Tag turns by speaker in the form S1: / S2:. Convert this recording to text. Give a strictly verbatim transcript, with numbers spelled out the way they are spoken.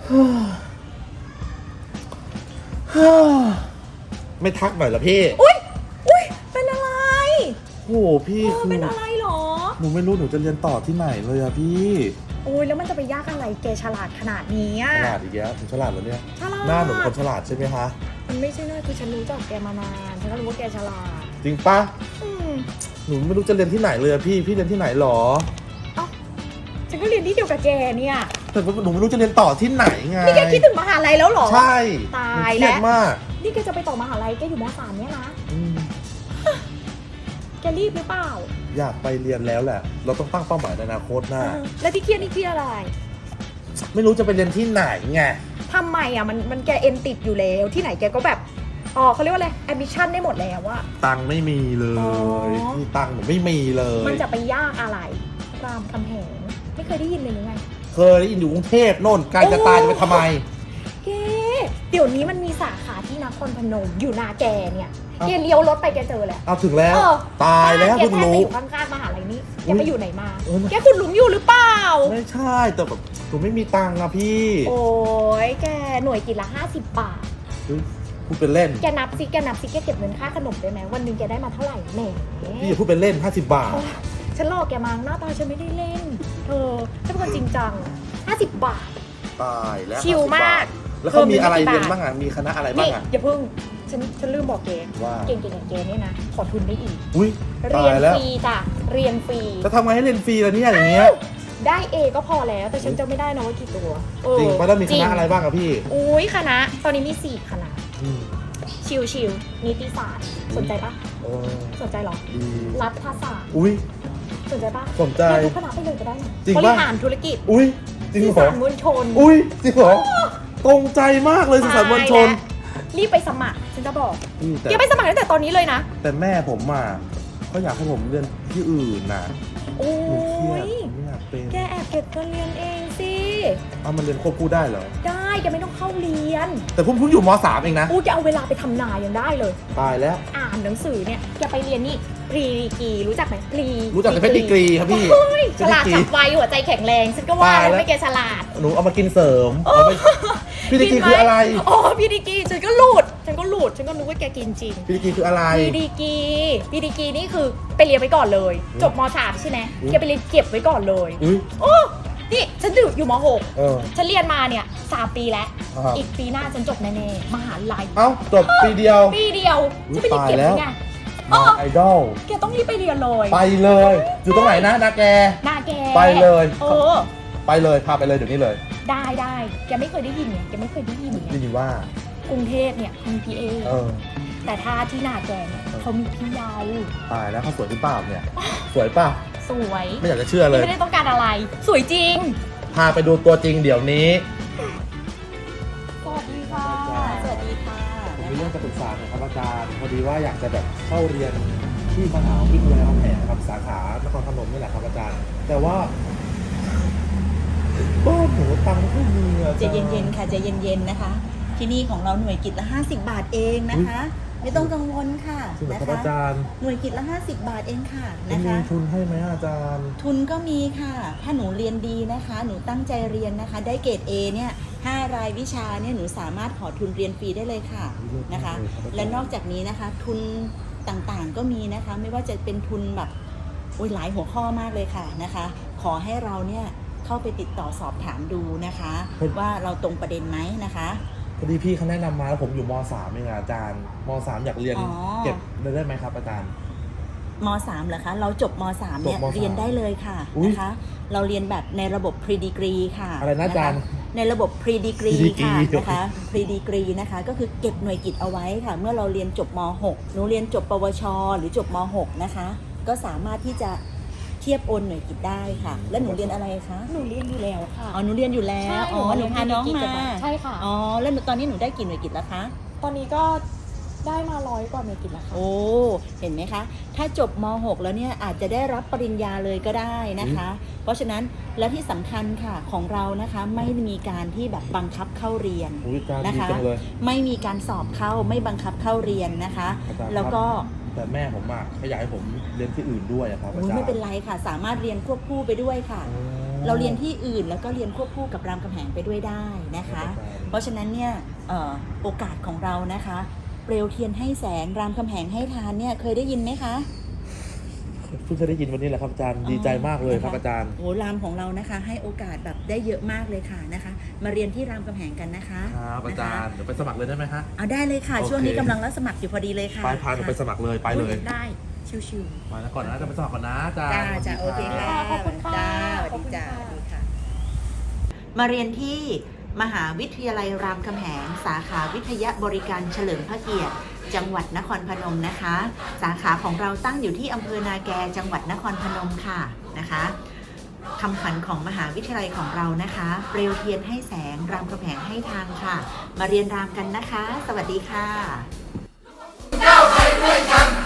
S1: ไม่ทักหน่อยเหรอพี่
S2: อุ้ยอุ้ยเป็นอะไร
S1: โอ้พี่คือ
S2: เป็นอะไรหรอ
S1: หนูไม่รู้หนูจะเรียนต่อที่ไหนเลยอะพี่
S2: โอ้ยแล้วมันจะไปยากอะไรแกฉลาดขนาดนี้อะ
S1: ฉลาดอีกแล้วผมฉลาดแล้วเนี่ย
S2: ฉลาด
S1: หน้าหนูคนฉลาดใช่ไหมคะ
S2: มันไม่ใช่หน้าคือฉันรู้จักแกมานานฉันก็รู้ว่าแกฉลาด
S1: จริงปะหนูไม่รู้จะเรียนที่ไหนเลยอะพี่พี่เรียนที่ไหนหรอ
S2: เอ้าฉันก็เรียนที่เดียวกับแกเนี่ย
S1: แต่หนูไม่รู้จะเรียนต่อที่ไหนไง
S2: นี่แกคิดถึงมหาลัยแล้วหรอ
S1: ใช่
S2: ตายแล้ว
S1: มาก
S2: นี่แกจะไปต่อมหาลัยแกอยู่ม.สามเนี่ยนะแกรีบหรือเปล่า
S1: อยากไปเรียนแล้วแหละเราต้องตั้งเป้าหมายในอนาคตนะ
S2: แล้วที่เครียดนี่เครียดอะไร
S1: ไม่รู้จะไปเรียนที่ไหนไง
S2: ทำไมอ่ะมันมันแกเอ็นติดอยู่แล้วที่ไหนแกก็แบบอ๋อเขาเรียกว่าอะไรแอมบิชั่นได้หมดแล้วว่า
S1: ตังไม่มีเลยที่ตังหนูไม่มีเลย
S2: มันจะไปยากอะไรรามคำแหงไม่เคยได้ยินเลยหรือไง
S1: เคยได้ยินอยู่กรุงเทพโน่นไกลจะตายจะไปทำไม
S2: แกเดี๋ยวนี้มันมีสาขาที่นครพนมอยู่นาแกเนี่ยแกเลี้ยวรถไปแกเจอแหละ
S1: เอาถึงแล้วตายแล้วคุณรู้
S2: อยู่ข้างๆมหาลัยนี้แกไปอยู่ไหนมาแกคุณหลุมอยู่หรือเปล่า
S1: ไม่ใช่แต่แบบหนูไม่มีตังค์อะพี่
S2: โอ้ยแกหน่วยกินละห้าสิบบาท
S1: พูดเป็นเล่น
S2: แกนับซิแกนับซิแกเก็บเงินค่าขนมได้ไหมวันนึงแกได้มาเท่าไหร่แหม
S1: พี่อย่าพูดเป็นเล่นห้าสิบบาท
S2: ฉันหลอกแกมาหน้าตาฉันไม่ได้เล่นเธอฉันเป็นคนจริงจังห้าสิบบาท
S1: ตายแล้ว
S2: ชิลมาก
S1: แล้วเขามีอะไรเรียนบ้างอ่ะมีคณะอะไรบ้างอ่ะ
S2: อย่าเพิ่งฉันฉันลืมบอกแกว่าเก่งๆอย่างแกเนี่ยนะขอทุนได้อีก
S1: อุ้ย
S2: เรียนฟรีจ้ะเรียนฟรี
S1: จะทำไงให้เรียนฟรีล่ะเนี่ยอย่างเงี้ย
S2: ได้เอก็พอแล้วแต่ฉันจะไม่ได้นะว่ากี่ตัว
S1: จริงป่ะแล้วมีคณะอะไรบ้างอ่ะพี่
S2: อุ้ยคณะตอนนี้มีสี่คณะชิวชิวนิติศาสตร์สนใจปะสนใจหรอรัฐศาสตร์
S1: อุ้ย
S2: สนใจปะ
S1: สนใจ
S2: ทุกคณะไปเลยก็ได้นะ
S1: บริ
S2: หารธุรกิจ
S1: อุ้ยจริงเหรอสื่อ
S2: สารมวลชน
S1: อุ้ยจริงเหรอตรงใจมากเลยสื่อสารมวลชน
S2: รีบไปสมัครฉันจะบอกอย่าไปสมัครตั้งแต่ตอนนี้เลยนะ
S1: แต่แม่ผมอ่ะเขาอยากให้ผมเรียนที่อื่นน่ะ
S2: โอ้
S1: ยไม่อยากเป็น
S2: แกแอบเก็บเงินเรียนเองสิ
S1: เอามันเรียนควบคู่ได้เหรอ
S2: ได้แกไม่ต้องเข้าเรียน
S1: แต่ผมเพิ่งอยู่ม.สาม เองนะ
S2: อู้จะเอาเวลาไปทำนายังได้เลย
S1: ตายแล้ว
S2: อ่านหนังสือเนี่ยแกไปเรียนนี่พรีดีกรีรู้จักไหมพรี
S1: รู้จักแต่เพชรดีกรีครับพี่
S2: ฉลาดฉับไวหัวใจแข็งแรงฉันก็ว่าแล้วไม่แกฉลาด
S1: หนูเอามากินเสริมพี่ดีกรีคืออะไร
S2: อ๋อพี่ดีกรีฉันก็หลุดฉันก็หลุดฉันก็นึกว่าแกกินจริง
S1: พี่ดีกรีคืออะไร
S2: พี่ดีกรีพี่ดีกรีนี่คือไปเรียนไว้ก่อนเลยจบม.สามใช่ไหมแกไปเรียนเก็บไว้ก่อนเลยโอ้นี่ฉันอยู่อยู่ม.หกฉันเรียนมาเนี่ยสามปีแล้วอีกปีหน้าฉันจบแน่ๆมหาลัย
S1: เอ้าจบปีเดียว
S2: ปีเดียวจะไปเรียนเก็บยังไง
S1: ไอดอล
S2: แกต้องรีบไปเรียนเลย
S1: ไปเลยอยู่ตรงไหนนะนาแก
S2: นาแก
S1: ไปเลย
S2: เออ
S1: ไปเลยพาไปเลยเดี๋ยวนี้เลย
S2: ได้ได้แกไม่เคยได้ยินเนี่ยแกไม่เคยได้ยินเนี่ย
S1: ได้ยินว่าก
S2: รุงเทพเนี่ยมีพี่เอแต่ถ้าที่นาแกเนี่ยเขามีพี่ยาว
S1: ตายแล้วเขาสวยหรือเปล่าเนี่ยสวยป่ะ
S2: สวย
S1: ไม่อยากจะเชื่อเลย
S2: ไม่ได้ต้องการอะไรสวยจริง
S1: พาไปดูตัวจริงเดี๋ยวนี้
S2: สวัสดีค่ะสวัสดีค่ะ
S1: ผมมีเรื่องจะปรึกษาครับอาจารย์พอดีว่าอยากจะแบบเข้าเรียนที่มหาวิทยาลัยรามคำแหงครับสาขานครพนมนี่แหละครับอาจารย์แต่ว่าบ้านหนูตังค์ไม่มีอ่ะ
S3: ใจเย็นๆค่ะใจเย็นๆนะคะที่นี่ของเราหน่วยกิจละห้าสิบบาทเองนะคะไม่ต้องกังวลค่ะ
S1: นะคะอาจารย์
S3: หน่วยกิจละห้าสิบบาทเองค่ะนะคะ
S1: มีทุนให้ไหมอาจารย์
S3: ทุนก็มีค่ะถ้าหนูเรียนดีนะคะหนูตั้งใจเรียนนะคะได้เกรด เอ เนี่ยห้ารายวิชาเนี่ยหนูสามารถขอทุนเรียนฟรีได้เลยค่ะนะคะและนอกจากนี้นะคะทุนต่างๆก็มีนะคะไม่ว่าจะเป็นทุนแบบโอ้ยหลายหัวข้อมากเลยค่ะนะคะขอให้เราเนี่ยเข้าไปติดต่อสอบถามดูนะคะว่าเราตรงประเด็นไหมนะคะ
S1: พอดีพี่เขาแนะนำมาแล้วผมอยู่ม.สาม เองอาจารย์ม.สาม อยากเรียนเก็บได้ไหมครับอาจารย์
S3: ม.สาม เหรอคะเราจบม.สาม เนี่ยเรียนได้เลยค่ะนะคะเราเรียนแบบในระบบ pre degree ค่ะ
S1: อะไรนะอาจารย์
S3: ในระบบ pre degree ค่ะนะคะ pre degree นะคะก็คือเก็บหน่วยกิตเอาไว้ค่ะเมื่อเราเรียนจบม.หก หนูเรียนจบปวชหรือจบม.หก นะคะก็สามารถที่จะเทียบโอนหน่วยกิตได้ค่ะแล้วหนูเรียนอะไรคะ
S2: หนูเรียนอยู่แล้วค่ะ
S3: อ๋อหนูเรียนอยู่แล้วอ๋อหนูพาน้องมา
S2: ใช่ค่ะ
S3: อ๋อแล้วตอนนี้หนูได้กี่หน่วยกิตแล้วคะ
S2: ตอนนี้ก็ได้มาร้อยกว่าหน่วยกิตแล้วค่ะ
S3: โอ้เห็นไหมคะถ้าจบม.หก แล้วเนี่ยอาจจะได้รับปริญญาเลยก็ได้นะคะเพราะฉะนั้นและที่สำคัญค่ะของเรานะคะไม่มีการที่แบบบังคับเข้าเรียนนะคะไม่มีการสอบเข้าไม่บังคับเข้าเรียนนะคะแล้วก็
S1: แต่แม่ผมอ่ะเขาอยากให้ผมเรียนที่อื่นด้วยครับอาจารย์
S3: ไม่เป็นไรค่ะสามารถเรียนควบคู่ไปด้วยค่ะเราเรียนที่อื่นแล้วก็เรียนควบคู่กับรามคำแหงไปด้วยได้นะคะ เพราะฉะนั้นเนี่ยเอ่อโอกาสของเรานะคะเปลวเทียนให้แสงรามคำแหงให้ทานเนี่ยเคยได้ยินไหมคะ
S1: เพิ่งจะได้ยินวันนี้แหละครับอาจารย์ดีใจมากเลยครับอาจารย์
S3: โอ้รามของเรานะคะให้โอกาสแบบได้เยอะมากเลยค่ะนะคะ มาเรียนที่รามคำแหงกันนะคะ
S1: ครับอาจารย์เดี๋ยวไปสมัครเลยได้ไหมฮะ
S3: เอาได้เลยค่ะ
S1: โอเค
S3: ช่วงนี้กำลังรับสมัครอยู่พอดีเลยค่ะ
S1: ไปพาหนูไปสมัครเลยไปเลย
S3: ได้ชิว
S1: มาแล้วก่อนนะจะไปสมัครก่อนนะอาจาร
S3: ๆ
S1: ย์
S3: จ้าจ้าโอเคค่ะ
S2: ขอบคุณค่ะ
S3: จ้าส
S2: ข
S3: วั
S2: อบ
S3: ส
S2: คุ
S3: ดี
S2: ณ
S3: จ้า
S2: ค่ะ
S3: สวัสดีค่ะ มาเรียนที่มหาวิทยาลัยรามคำแหงสาขาวิทยาบริการเฉลิมพระเกียรติจังหวัดนครพนมนะคะ สาขาของเราตั้งอยู่ที่อำเภอนาแกจังหวัดนครพนมค่ะนะคะคำขวัญของมหาวิทยาลัยของเรานะคะเปลวเทียนให้แสงรามคำแหงให้ทางค่ะ มาเรียนรามกันนะคะ สวัสดีค่ะ
S4: ก้าวไปด้วยกัน